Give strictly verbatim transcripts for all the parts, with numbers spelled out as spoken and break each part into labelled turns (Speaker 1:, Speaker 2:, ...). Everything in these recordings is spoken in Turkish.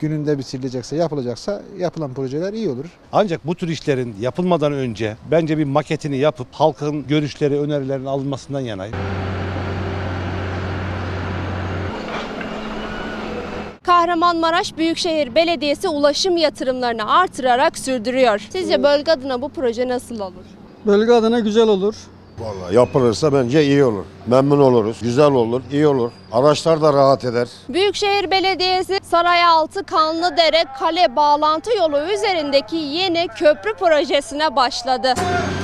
Speaker 1: Gününde bitirilecekse, yapılacaksa yapılan projeler iyi olur.
Speaker 2: Ancak bu tür işlerin yapılmadan önce bence bir maketini yapıp halkın görüşleri, önerilerinin alınmasından yanayım.
Speaker 3: Kahramanmaraş Büyükşehir Belediyesi ulaşım yatırımlarını artırarak sürdürüyor. Sizce bölge adına bu proje nasıl olur?
Speaker 4: Bölge adına güzel olur.
Speaker 5: Vallahi yapılırsa bence iyi olur. Memnun oluruz. Güzel olur, iyi olur. Araçlar da rahat eder.
Speaker 3: Büyükşehir Belediyesi Sarayaltı Kanlıdere Kale bağlantı yolu üzerindeki yeni köprü projesine başladı.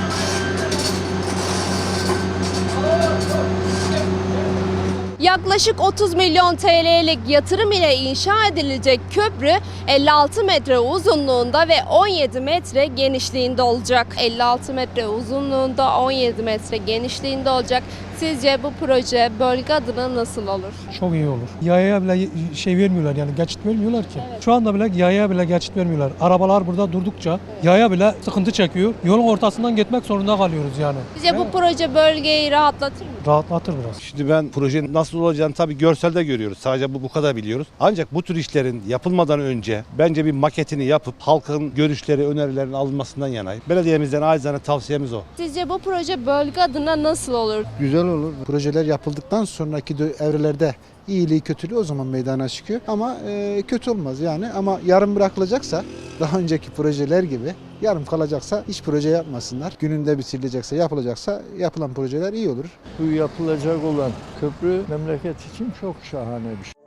Speaker 3: Yaklaşık otuz milyon T L'lik yatırım ile inşa edilecek köprü elli altı metre uzunluğunda ve on yedi metre genişliğinde olacak. elli altı metre uzunluğunda, on yedi metre genişliğinde olacak. Sizce bu proje bölge adına nasıl olur?
Speaker 4: Çok iyi olur. Yayaya bile şey vermiyorlar, yani geçit vermiyorlar ki.
Speaker 3: Evet.
Speaker 4: Şu anda bile yayaya bile geçit vermiyorlar. Arabalar burada durdukça yaya bile sıkıntı çekiyor. Yolun ortasından gitmek zorunda kalıyoruz yani.
Speaker 3: Sizce bu proje bölgeyi rahatlatır mı?
Speaker 4: Rahatlatır biraz.
Speaker 2: Şimdi ben projenin nasıl olacağını tabii görselde görüyoruz. Sadece bu bu kadar biliyoruz. Ancak bu tür işlerin yapılmadan önce bence bir maketini yapıp halkın görüşleri, önerilerinin alınmasından yanayım. Belediyemizden acizane tavsiyemiz o.
Speaker 3: Sizce bu proje bölge adına nasıl olur?
Speaker 1: Güzel olur. Projeler yapıldıktan sonraki dö- evrelerde iyiliği kötülüğü o zaman meydana çıkıyor. Ama e, kötü olmaz yani. Ama yarım bırakılacaksa, daha önceki projeler gibi yarım kalacaksa hiç proje yapmasınlar. Gününde bitirilecekse, yapılacaksa yapılan projeler iyi olur.
Speaker 6: Bu yapılacak olan köprü memleket için çok şahane bir şey.